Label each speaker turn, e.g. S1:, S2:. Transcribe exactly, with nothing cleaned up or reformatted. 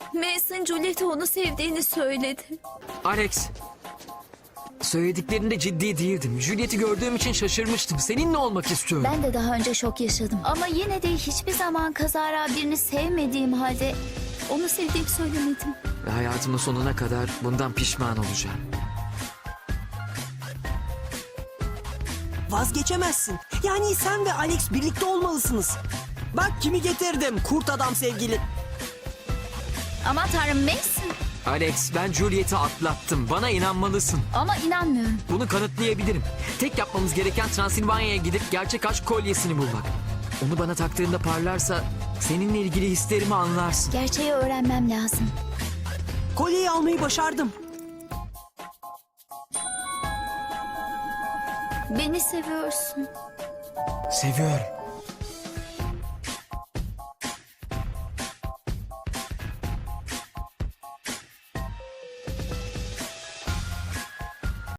S1: Mason Juliet'e onu sevdiğini söyledi.
S2: Alex, söylediklerinde ciddi değildim. Juliet'i gördüğüm için şaşırmıştım. Seninle olmak istiyorum.
S1: Ben de daha önce şok yaşadım. Ama yine de hiçbir zaman kazara birini sevmediğim halde onu sevdiğimi söylemedim.
S2: Ve hayatımın sonuna kadar bundan pişman olacağım.
S3: Vazgeçemezsin. Yani sen ve Alex birlikte olmalısınız. Bak kimi getirdim, kurt adam sevgili.
S1: Aman tanrım Mason.
S2: Alex, ben Juliet'i atlattım. Bana inanmalısın.
S1: Ama inanmıyorum.
S2: Bunu kanıtlayabilirim. Tek yapmamız gereken Transilvanya'ya gidip gerçek aşk kolyesini bulmak. Onu bana taktığında parlarsa seninle ilgili hislerimi anlarsın.
S1: Gerçeği öğrenmem lazım.
S3: Kolyeyi almayı başardım.
S1: Beni seviyorsun.
S2: Seviyorum.